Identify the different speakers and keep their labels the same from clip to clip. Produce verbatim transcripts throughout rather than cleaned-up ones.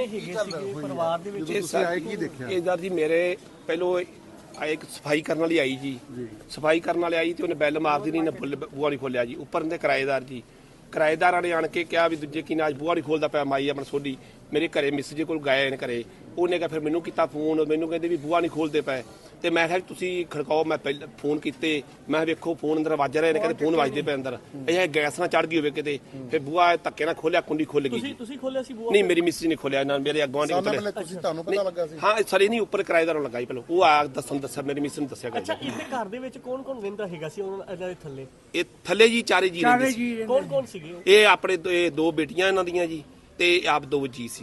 Speaker 1: इधर जी मेरे पहलो एक सफाई करने वाली आई जी, सफाई करने वाले आई तो उन्हें बैल मार दी, नहीं बूहा नहीं खोलिया जी। उपर ने किराएदार जी, किराएदार ने आन के क्या भी दूजे की अज बूहा नहीं खोलता पाया माई अपना सोडी मेरे घरे मिस जी को गए घरे उन्हें क्या फिर मैनू किया फोन, मैनू कहते भी बूहा नहीं खोलते पाए तो मैं तुम खड़काओ। मैं पहले फोन किए, मैं वेखो फोन अंदर वज रहे हैं, कहते फोन वजते पे अंदर यह गैस ना चढ़ गई हो कि फिर बूहा धक्के ना खोलिया, कुंडी खुल गई। नहीं मेरी मिस जी ने खोलिया ना, मेरे गुआढ़ी हाँ सर नहीं उपर किराएदारों लगा पहले वो आ दसन दसा मेरी मिस ने दसिया। थले जी चारे जी ये अपने दो बेटियां इन्हों दियां जी ते आप दो जी सी।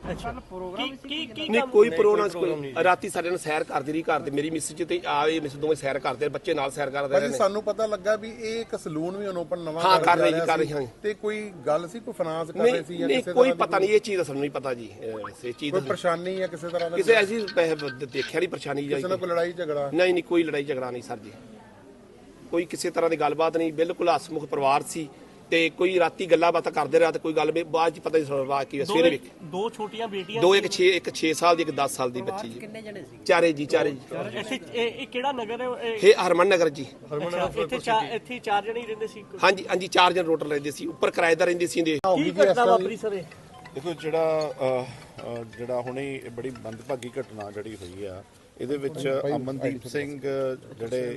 Speaker 1: नहीं कोई प्रोग्राम राती सारे ने सैर करदी रही घर मेरी मिस जी ते आए मिस दोवें सैर करते बच्चे नाल सैर करदे रहे।
Speaker 2: सानू पता लगा भी एक सलून भी ओपन नवा
Speaker 1: हाँ कर रहे जी कर रहे हैं
Speaker 2: ते कोई गल सी कोई फाइनेंस कर रहे सी या
Speaker 1: किसी कोई पता नहीं ये चीज दा सानू नहीं पता जी। इस चीज
Speaker 2: कोई परेशानी या किसी तरह दा
Speaker 1: किसी ऐसी देखिया नहीं परेशानी जी,
Speaker 2: किसी ने कोई लड़ाई झगड़ा
Speaker 1: नहीं नहीं कोई लड़ाई झगड़ा नहीं सर जी, कोई किसी तरह की गलबात नहीं, बिल्कुल हसमुख परिवार सी ते कोई राती गल्ला बात करते रहा कोई गल बाद पता नहीं की सवेरे
Speaker 3: दो छोटियां बेटियां
Speaker 1: दो एक छे एक छे साल दी एक दस साल दी बच्ची जी। चारे जी चारे जी
Speaker 3: केड़ा नगर है
Speaker 1: ये हरमन नगर जी।
Speaker 3: इत्थे चार जने रहंदे सी।
Speaker 1: हां जी हां जी चार जन टोटल रहंदे सी, ऊपर किराएदार रहंदे सी।
Speaker 3: की घटना वापरी सर
Speaker 2: देखो जिहड़ा जिहड़ा हुणे बड़ी मंदभागी घटना जिहड़ी होई आ ਇਹਦੇ ਵਿੱਚ ਅਮਨਦੀਪ ਸਿੰਘ ਜਿਹੜੇ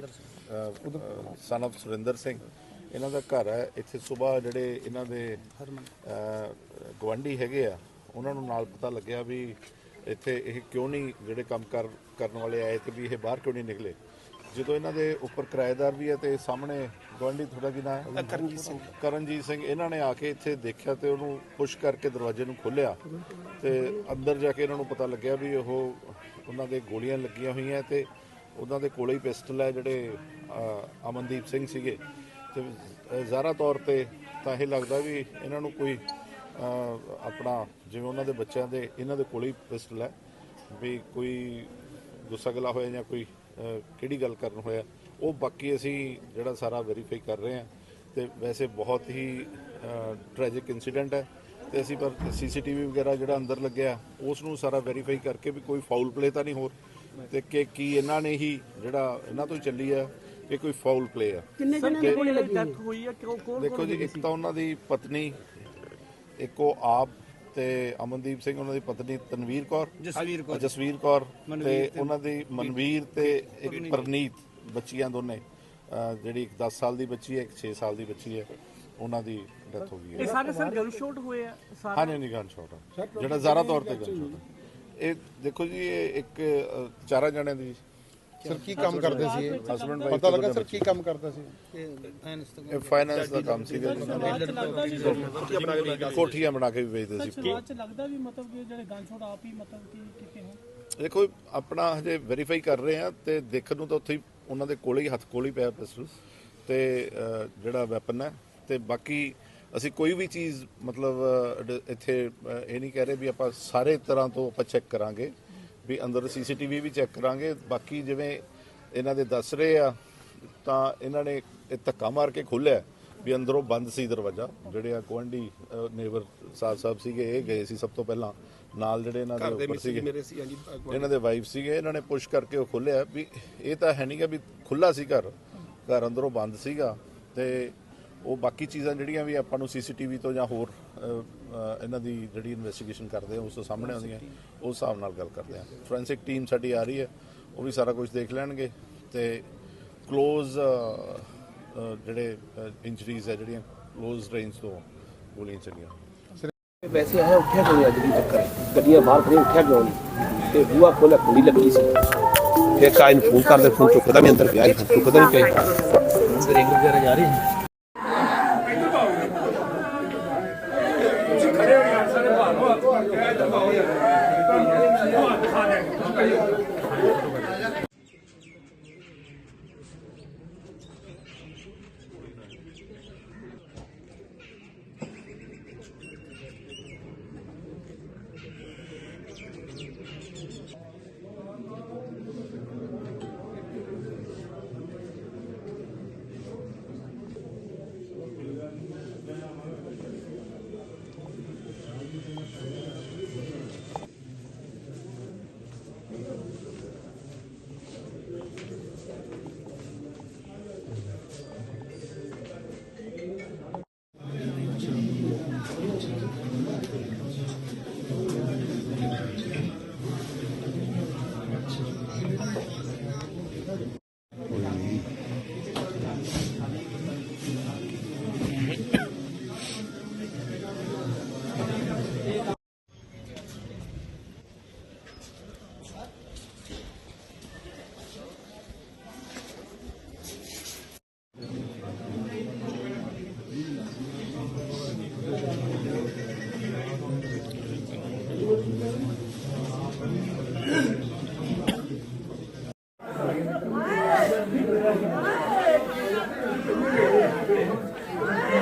Speaker 2: ਸਨ ਆਫ ਸੁਰਿੰਦਰ ਸਿੰਘ ਇਹਨਾਂ ਦਾ ਘਰ ਹੈ ਇੱਥੇ ਸਵੇਰ ਜਿਹੜੇ ਇਹਨਾਂ ਦੇ ਗਵਾਂਢੀ ਹੈਗੇ ਆ ਉਹਨਾਂ ਨੂੰ ਨਾਲ ਪਤਾ ਲੱਗਿਆ ਵੀ ਇੱਥੇ ਇਹ ਕਿਉਂ ਨਹੀਂ ਜਿਹੜੇ ਕੰਮ ਕਰ ਕਰਨ ਵਾਲੇ ਆਏ ਤੇ ਵੀ ਇਹ ਬਾਹਰ ਕਿਉਂ ਨਹੀਂ ਨਿਕਲੇ। ਜਦੋਂ ਇਹਨਾਂ ਦੇ ਉੱਪਰ ਕਿਰਾਏਦਾਰ ਵੀ ਹੈ ਤੇ ਸਾਹਮਣੇ ਗਵਾਂਢੀ ਤੁਹਾਡਾ ਕੀ ਨਾਮ ਹੈ ਕਰਨਜੀਤ ਸਿੰਘ ਕਰਨਜੀਤ ਸਿੰਘ ਇਹਨਾਂ ਨੇ ਆ ਕੇ ਇੱਥੇ ਦੇਖਿਆ ਤੇ ਉਹਨੂੰ ਪੁਸ਼ ਕਰਕੇ ਦਰਵਾਜ਼ੇ ਨੂੰ ਖੋਲ੍ਹਿਆ ਤੇ ਅੰਦਰ ਜਾ ਕੇ ਇਹਨਾਂ ਨੂੰ ਪਤਾ ਲੱਗਿਆ ਵੀ ਉਹ ਉਹਨਾਂ ਦੇ ਗੋਲੀਆਂ ਲੱਗੀਆਂ ਹੋਈਆਂ ਤੇ ਉਹਨਾਂ ਦੇ ਕੋਲੇ ਹੀ ਪਿਸਟਲ ਹੈ ਜਿਹੜੇ ਅਮਨਦੀਪ ਸਿੰਘ ਸੀਗੇ ਤੇ ਜ਼ਾਹਰਾ ਤੌਰ ਤੇ ਤਾਂ ਇਹ ਲੱਗਦਾ ਵੀ ਇਹਨਾਂ ਨੂੰ ਕੋਈ ਆਪਣਾ ਜਿਵੇਂ ਉਹਨਾਂ ਦੇ ਬੱਚਿਆਂ ਦੇ ਇਹਨਾਂ ਦੇ ਕੋਲੇ ਹੀ ਪਿਸਟਲ ਹੈ ਵੀ ਕੋਈ ਗੁੱਸਾ ਗਲਾ ਹੋਇਆ ਜਾਂ ਕੋਈ ਕਿਹੜੀ ਗੱਲ ਕਰਨ ਹੋਇਆ ਉਹ ਬਾਕੀ ਅਸੀਂ ਜਿਹੜਾ ਸਾਰਾ ਵੈਰੀਫਾਈ ਕਰ ਰਹੇ ਹਾਂ ਤੇ ਵੈਸੇ ਬਹੁਤ ਹੀ ਟ੍ਰੈਜਿਕ ਇਨਸੀਡੈਂਟ ਹੈ ਤੇ ਅਸੀਂ ਪਰ ਸੀਸੀਟੀਵੀ ਵਗੈਰਾ ਜਿਹੜਾ ਅੰਦਰ ਲੱਗਿਆ ਉਸ ਨੂੰ ਸਾਰਾ ਵੈਰੀਫਾਈ ਕਰਕੇ ਵੀ ਕੋਈ ਫਾਊਲ ਪਲੇ ਤਾਂ ਨਹੀਂ ਹੋਰ ਤੇ ਕਿ ਕੀ ਇਹਨਾਂ ਨੇ ਹੀ ਜਿਹੜਾ ਇਹਨਾਂ ਤੋਂ ਹੀ ਚੱਲੀ ਆ ਕਿ ਕੋਈ ਫਾਊਲ ਪਲੇ ਆ।
Speaker 3: ਕਿੰਨੇ ਜਣੇ ਕੋਲ ਡੈਥ ਹੋਈ ਆ ਕਿਉਂ ਕੌਣ
Speaker 2: ਦੇਖੋ ਜੀ ਇੱਕ ਤਾਂ ਉਹਨਾਂ ਦੀ ਪਤਨੀ ਇੱਕ ਉਹ ਆਪ ਤੇ ਅਮਨਦੀਪ ਸਿੰਘ ਉਹਨਾਂ ਦੀ ਪਤਨੀ ਤਨਵੀਰ ਕੌਰ ਜਸਵੀਰ ਕੌਰ ਜਸਵੀਰ ਕੌਰ ਤੇ ਉਹਨਾਂ ਦੀ ਮਨਵੀਰ ਤੇ ਇੱਕ ਪ੍ਰਨੀਤ ਬੱਚੀਆਂ ਦੋਨੇ ਜਿਹੜੀ ਇੱਕ ਦਸ ਸਾਲ ਦੀ ਬੱਚੀ ਹੈ ਇੱਕ ਛੇ ਸਾਲ ਦੀ ਬੱਚੀ ਹੈ ਉਹਨਾਂ ਦੀ ਡੈਥ ਹੋ ਗਈ ਹੈ।
Speaker 3: ਇਹ ਸਾਰੇ ਸਰ ਗਨ ਸ਼ਾਟ ਹੋਏ ਆ
Speaker 2: ਸਾਰੇ? ਹਾਂਜੀ ਨਹੀਂ ਗਨ ਸ਼ਾਟ ਹੈ ਜਿਹੜਾ ਜ਼ਾਹਰਾ ਤੌਰ ਤੇ ਗਨ ਸ਼ਾਟ ਇਹ ਦੇਖੋ ਜੀ ਇਹ ਇੱਕ ਚਾਰਾਂ ਜਣਿਆਂ ਦੀ ਸਰ ਕੀ ਕੰਮ ਕਰਦੇ ਸੀ ਇਹ ਹਸਬੰਡ ਵਾਈਫ ਪਤਾ ਲੱਗਾ ਸਰ ਕੀ ਕੰਮ ਕਰਦਾ ਸੀ ਇਹ ਫਾਈਨਾਂਸ ਦਾ ਕੰਮ ਸੀਗਾ ਕੋਠੀਆਂ ਬਣਾ ਕੇ ਵੀ ਵੇਚਦੇ ਸੀ।
Speaker 3: ਬਾਅਦ ਚ ਲੱਗਦਾ ਵੀ ਮਤਲਬ ਕਿ ਜਿਹੜੇ ਗਨ ਸ਼ਾਟ ਆਪ ਹੀ ਮਤਲਬ ਕਿ ਕਿਤੇ ਹੋ
Speaker 2: ਦੇਖੋ ਆਪਣਾ ਹਜੇ ਵੈਰੀਫਾਈ ਕਰ ਰਹੇ ਆ ਤੇ ਦੇਖਣ ਨੂੰ ਤਾਂ ਉੱਥੇ ਹੀ ਉਹਨਾਂ ਦੇ ਕੋਲੇ ਹੀ ਹੱਥ ਕੋਲ ਹੀ ਪਿਆ ਪਿਸਟਲ ਤੇ ਜਿਹੜਾ ਵੈਪਨ ਹੈ ਤੇ ਬਾਕੀ ਅਸੀਂ ਕੋਈ ਵੀ ਚੀਜ਼ ਮਤਲਬ ਇੱਥੇ ਇਹ ਨਹੀਂ ਕਹਿ ਰਹੇ ਵੀ ਆਪਾਂ ਸਾਰੇ ਤਰ੍ਹਾਂ ਤੋਂ ਆਪਾਂ ਚੈੱਕ ਕਰਾਂਗੇ ਵੀ ਅੰਦਰ ਸੀਸੀਟੀਵੀ ਵੀ ਚੈੱਕ ਕਰਾਂਗੇ। ਬਾਕੀ ਜਿਵੇਂ ਇਹਨਾਂ ਦੇ ਦੱਸ ਰਹੇ ਆ ਤਾਂ ਇਹਨਾਂ ਨੇ ਇਹ ਧੱਕਾ ਮਾਰ ਕੇ ਖੋਲ੍ਹਿਆ ਵੀ ਅੰਦਰੋਂ ਬੰਦ ਸੀ ਦਰਵਾਜ਼ਾ। ਜਿਹੜੇ ਆ ਗੁਆਂਢੀ ਨੇਬਰ ਸਾਹਿਬ ਸਾਹਿਬ ਸੀਗੇ ਇਹ ਗਏ ਸੀ ਸਭ ਤੋਂ ਪਹਿਲਾਂ ਨਾਲ ਜਿਹੜੇ ਇਹਨਾਂ ਦੇ ਉੱਪਰ ਸੀਗੇ ਇਹਨਾਂ ਦੇ ਵਾਈਫ ਸੀਗੇ ਇਹਨਾਂ ਨੇ ਪੁਸ਼ ਕਰਕੇ ਉਹ ਖੋਲ੍ਹਿਆ ਵੀ ਇਹ ਤਾਂ ਹੈ ਨਹੀਂ ਗਾ ਵੀ ਖੁੱਲ੍ਹਾ ਸੀ ਘਰ ਘਰ ਅੰਦਰੋਂ ਬੰਦ ਸੀਗਾ ਤੇ ਉਹ ਬਾਕੀ ਚੀਜ਼ਾਂ ਜਿਹੜੀਆਂ ਵੀ ਆਪਾਂ ਨੂੰ ਸੀਸੀਟੀਵੀ ਤੋਂ ਜਾਂ ਹੋਰ ਇਹਨਾਂ ਦੀ ਜਿਹੜੀ ਇਨਵੈਸਟੀਗੇਸ਼ਨ ਕਰਦੇ ਆ ਉਸ ਤੋਂ ਸਾਹਮਣੇ ਆਉਂਦੀਆਂ ਉਸ ਹਿਸਾਬ ਨਾਲ ਗੱਲ ਕਰਦੇ ਆ। ਫੋਰੈਂਸਿਕ ਟੀਮ ਸਾਡੀ ਆ ਰਹੀ ਹੈ ਉਹ ਵੀ ਸਾਰਾ ਕੁਝ ਦੇਖ ਲੈਣਗੇ ਤੇ ਕਲੋਜ਼ ਜਿਹੜੇ ਇੰਜਰੀਜ਼ ਹੈ ਜਿਹੜੀਆਂ ਕਲੋਜ਼ ਰੇਂਜ ਤੋਂ ਗੋਲੀਆਂ ਚੱਲੀਆਂ।
Speaker 1: ਵੈਸੇ ਆਇਆ ਉੱਠਿਆ ਕਿਉਂ ਅੱਜ ਦੀ ਚੱਕਰ ਗੱਡੀਆਂ ਬਾਹਰ ਖੜੀਆਂ ਉੱਠਿਆ ਕਿਉਂ ਨਹੀਂ ਤੇ ਬੂਹਾ ਖੋਲ੍ਹਿਆ ਕੁੰਡੀ ਲੱਗੀ ਸੀ ਫਿਰ ਕਾਇ ਨੂੰ ਫੋਨ ਕਰਦੇ ਫੋਨ ਚੁੱਕਦਾ ਵੀ ਅੰਦਰ ਪਿਆ ਚੁੱਕਦਾ ਨਹੀਂ ਪਿਆ ਰਿੰਗ ਵਗੈਰਾ ਜਾ ਰਹੀ
Speaker 3: ਜੀ